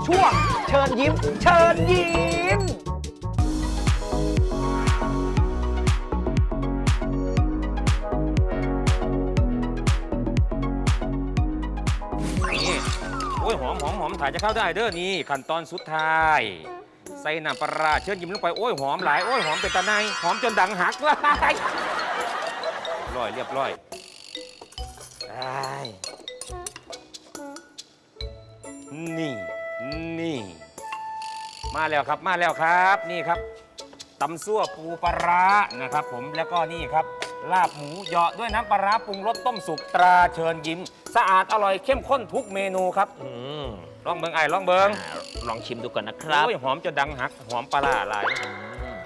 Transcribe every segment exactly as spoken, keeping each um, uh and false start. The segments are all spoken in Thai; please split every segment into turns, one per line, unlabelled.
ช่วงเชิญยิ้ม เชิญยิ้ม
นี่โอ้ยหอมหอมหอมถ่ายจะเข้าได้เด้อนี่ขั้นตอนสุดท้ายใส่น้ำปลาร้าเชิญยิ้มลงไปโอ้ยหอมหลายโอ้ยหอมเป็นตะไนหอมจนดังหักเลยร้อยเรียบร้อยได้นี่นี่มาแล้วครับมาแล้วครับนี่ครับตำซั่วปูปลาร้านะครับผมแล้วก็นี่ครับลาบหมูเหยาะด้วยน้ำปลาร้าปรุงรสต้มสุกตราเชิญยิ้มสะอาดอร่อยเข้มข้นทุกเมนูครับ
อืม
ลองเบิงไอ้ลองเบิง
อ่าลองชิมดูก่อนนะครับ
โอ้ยหอมจะดังหักหอมปลาร้าหลาย
อืม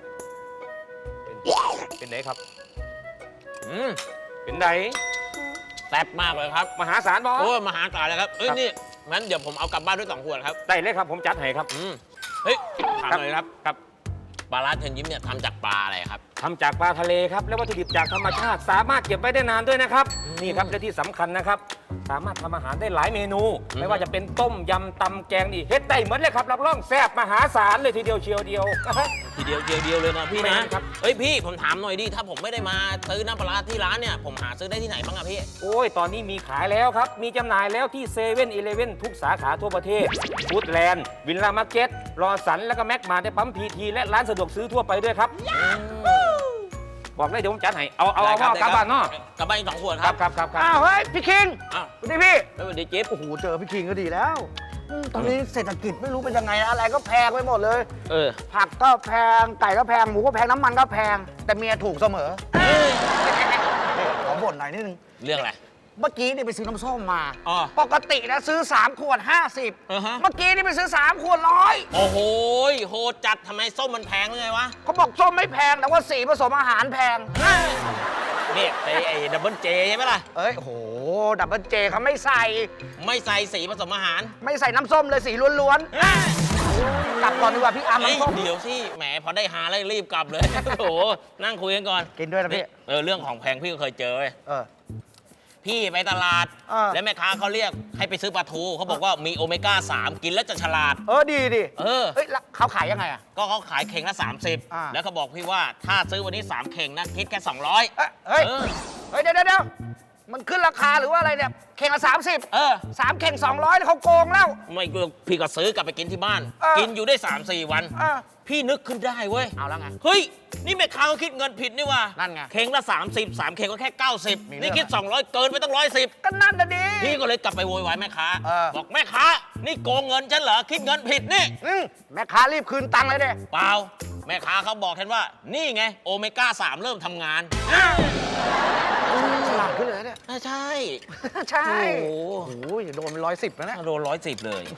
เป็นเป็นไหนครับ
อืม
เป็นไหน
แซ่บมากเลยครับ
มหาศาลบอ
โอ้ยมหาศาลเลยครับ เอ้ย
ครับ
นี่งั้นเดี๋ยวผมเอากลับบ้านด้วยสองขวดครับ
ได้เลยครับผมจัดให้ครับ
อืมเฮ้ยถามเลยครับ
ครับ
ปลาร้าเชิญยิ้มเนี่ยทำจากปลาอะไรครับ
ทำจากปลาทะเลครับและวัตถุดิบจากธรรมชาติสามารถเก็บไว้ได้นานด้วยนะครับ
อืม
นี่ครับและที่สำคัญนะครับ สามารถทำอาหารได้หลายเมนู
อืม
ไม่ว่าจะเป็นต้มยำตำแกงนี่เฮ็ดได้เหมือนเลยครับรับรองแซ่บมหาศาลเลยทีเดียวเชียวเดียว
ทีเดียวเดียวเดียวเลยนะพี่
แม่
นะครับ เอ้ยพี่ผมถามหน่อยดิถ้าผมไม่ได้มาซื้อน้ำปลาร้าที่ร้านเนี่ยผมหาซื้อได้ที่ไหนบ้างอะพี่
โอ้ย ตอนนี้มีขายแล้วครับ มีจำหน่ายแล้วที่เซเว่นอีเลฟเว่นทุกสาขาทั่วประเทศฟู้ดแลนด์วิลล่ามาร์เก็ตรอสันแล้วก็แม็กมาในปั๊มพีทีและร้านสะดวกซื้อทั่วไปด้วยครับ บอกเลยเดี๋ยวผมจัดให้ เอาเอาเอา
ได้ครั
เอากลับบ้านเนาะ
กลับบ้านอีกสองขวด
ค
ค
รั
รั
บบ ครับครับครับ
อ้าว เฮ้ย พี่คิง
อ้าว
สวัสดีพี่
สวัสดีจิ๊บ
โอ้โห เจอพี่คิงก็ดีแล้วอืมตอนนี้เศรษฐกิจไม่รู้เป็นยังไงนะอะไรก็แพงไปหมดเลย
เออ
ผักก็แพง ไก่ก็แพง หมูก็แพง น้ำมันก็แพง แต่เมียถูกเสมอนี่ขอบ่นหน่อยนิดนึง
เรื่องอะไร
เมื่อกี้นี่ไปซื้อน้ำส้มมา
อ๋อ
ปกตินะซื้อ 3 ขวด 50
อือฮะ
เมื่อกี้นี่ไปซื้อ 3 ขวดร้อย
โอ้โหโหดจัดทำไมส้มมันแพงหรือไงวะ
เขาบอกส้มไม่แพง แต่ว่าสีผสมอาหารแพง
นี่ไอ้ไอ้ดับเบิลเจใช่ไหมล่ะ
เอ้ยโอ้โห ดับเบิลเจเขาไม่ใส่
ไม่ใส่สีผสมอาหาร
ไม่ใส่น้ำส้มเลยสีล้วนๆ กลับก่อนดีกว่าพี่อาร์ม
เฮ้ย
น้ำส้ม
เดี๋ยวสิแหมพอได้หาแล้วรีบกลับเลย โอ้โหนั่งคุยกันก่อน
กินด้วยนะพี่
เออเรื่องของแพงพี่ก็เคยเจอเว้ย
เออ
พี่ไปตลาด
เออ
แล้วแม่ค้าเขาเรียกให้ไปซื้อปลาทูเขาบอกว่ามีโอเมก้าสามกินแล้วจะฉลาด
เออ ดีดิ
เออ
เฮ้ยแล้วเขาขายยังไงอ่ะ
ก็เขาขายเข่งละ
อ่า
สามสิบ แล้วเขาบอกพี่ว่าถ้าซื้อวันนี้สามเข่งนะคิดแค่สองร้อย
เอ้ยเฮ้ย
เออ
เฮ้ย เดี๋ยวเดี๋ยวเดี๋ยวมันขึ้นราคาหรือว่าอะไรเนี่ย เข่งละสามสิบ
เออ
สามเข่งสองร้อยเขาโกงแล้ว
ไม่พี่ก็ซื้อกลับไปกินที่บ้าน
เออ
กินอยู่ได้ สามสี่วัน
เออ
พี่นึกขึ้นได้เว้ย
เอาแล้วไง
เฮ้ย นี่แม่ค้าเขาคิดเงินผิดนี่ว่า
นั่นไง
เข่งละ สามสิบ สามเข่งก็แค่ เก้าสิบ
มีเรื่อง
นี่คิด สองร้อย เกินไปตั้งร้อยสิบ
ก็นั่นน่ะดิ
พี่ก็เลยกลับไปโวยวายแม่ค้า
เออ
บอกแม่ค้า นี่โกงเงินฉันเหรอ คิดเงินผิดนี่
อืมแม่ค้ารีบคืนตังค์เลยเด้
เปล่า แม่ค้าเขาบอกฉันว่า นี่ไงโอเมก้าสามเริ่มทำงาน
ฉลาดขึ้นเลยเนี่ย
อ่าใช่
ใช่
โอ้โห
โอ้โหโดนเป็นร้อยสิบแล้วเนี่ย
โดนร้อยสิบเลย